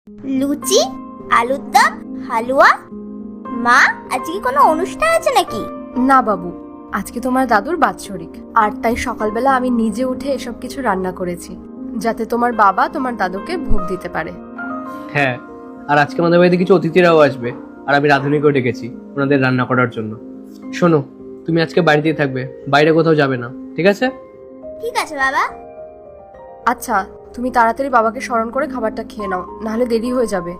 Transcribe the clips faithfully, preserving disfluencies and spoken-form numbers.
লুচি, আলুর দম, হালুয়া। মা, আজকে কোনো অনুষ্ঠান আছে নাকি? না বাবু, আজকে তোমার দাদুর বাৎসরিক, আর তাই সকালবেলা আমি নিজে উঠে এসব কিছু রান্না করেছি, যাতে তোমার বাবা তোমার দাদুকে ভোগ দিতে পারে। হ্যাঁ, আর আজকে আমাদের বাড়িতে কিছু অতিথিরাও আসবে, আর আমি রাঁধুনিকেও ডেকেছি ওনাদের রান্না করার জন্য। শোনো, তুমি আজকে বাড়িতেই থাকবে, বাইরে কোথাও যাবে না, ঠিক আছে? ঠিক আছে বাবা। আচ্ছা, তুমি তাড়াতাড়ি বাবাকে স্মরণ করে খাবারটা খেয়ে নাও, নাহলে দেরি হয়ে যাবে।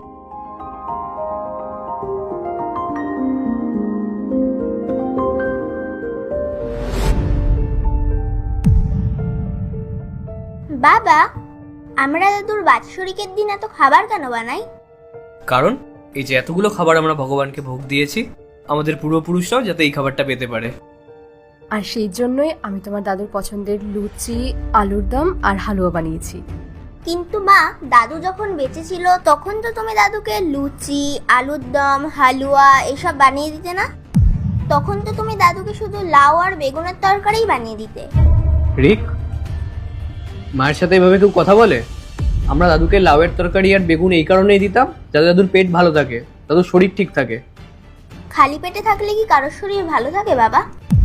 বাবা, আমরা দাদুর বাৎসরিকের দিন এত খাবার কেন বানাই? কারণ এই যে এতগুলো খাবার আমরা ভগবানকে ভোগ দিয়েছি, আমাদের পূর্বপুরুষরাও যাতে এই খাবারটা পেতে পারে। আর সেই জন্যই আমি তোমার দাদুর পছন্দের লুচি, আলুর দম আর হালুয়া বানিয়েছি। কিন্তু মা, দাদু যখন বেঁচে ছিল তখন তো তুমি দাদুকে লুচি, আলুর দম, হালুয়া এসব বানিয়ে দিতে না? তখন তো তুমি দাদুকে শুধু লাউ আর বেগুনের তরকারিই বানিয়ে দিতে। রিক, মায়ের সাথে এভাবে কেউ কথা বলে? আমরা দাদুকে লাউয়ের তরকারি আর বেগুন এই কারণেই দিতাম যাতে দাদুর পেট ভালো থাকে, দাদুর শরীর ঠিক থাকে। খালি পেটে থাকলে কি কারোর শরীর ভালো থাকে বাবা?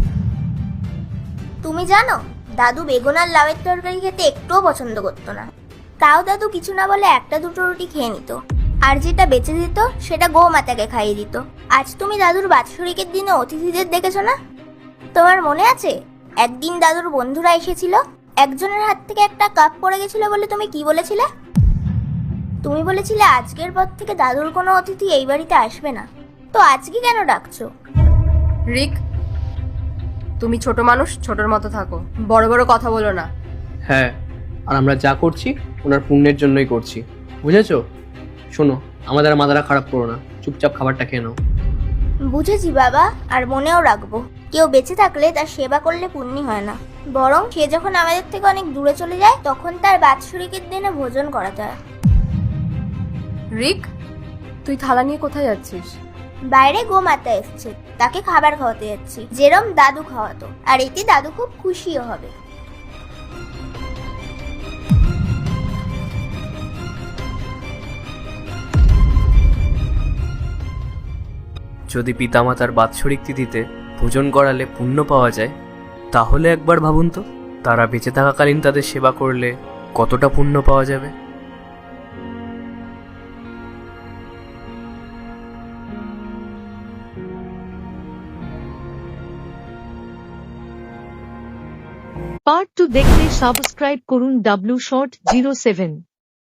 তুমি জানো, দাদু বেগুন আর লাউয়ের তরকারি খেতে একটুও পছন্দ করতো না। তাও দাদু কিছু না বলে একটা দুটো রুটি খেয়ে নিত, আর যেটা বেঁচে দিত সেটা গো মাতাকে খাইয়ে দিত। আজ তুমি দাদুর বাৎসরিকের দিনে অতিথিদের দেখেছো না? তোমার মনে আছে একদিন দাদুর বন্ধুরা এসেছিল, একজনের হাত থেকে একটা কাপ পড়ে গেছিল বলে তুমি কি বলেছিলে? তুমি বলেছিলে আজকের পর থেকে দাদুর কোনো অতিথি এই বাড়িতে আসবে না। তো আজকে কেন ডাকছো? রিক, তুমি ছোট মানুষ, ছোটর মতো থাকো, বড় বড় কথা বলো না। হ্যাঁ, আর আমরা যা করছি ওনার পুণ্যের জন্যই করছি, বুঝেছো? শোনো, আমাদের আর মাথাটা খারাপ করো না, চুপচাপ খাবারটা খেয়ে নাও। বুঝেছি বাবা, আর মনেও রাখবো, কেউ বেঁচে থাকলে তার সেবা করলে পুণ্যি হয় না, বরং সে যখন আমাদের থেকে অনেক দূরে চলে যায় তখন তার বাৎসরিকের দিনে ভোজন করা যায়। রিক, তুই থালা নিয়ে কোথায় যাচ্ছিস? বাইরে গোমাতা এসছে, তাকে খাবার খাওয়াতে যাচ্ছি, যেরম দাদু খাওয়াতো, আর এতে দাদু খুব খুশিও হবে। যদি পিতামাতার বাৎসরিক তিথিতে ভোজন করালে পুণ্য পাওয়া যায়, তাহলে একবার ভাবুন তো, তারা বেঁচে থাকাকালীন তাদের সেবা করলে কতটা পুণ্য পাওয়া যাবে। পার্ট টু দেখতে সাবস্ক্রাইব করুন ডাব্লিউ শর্ট জিরো সেভেন।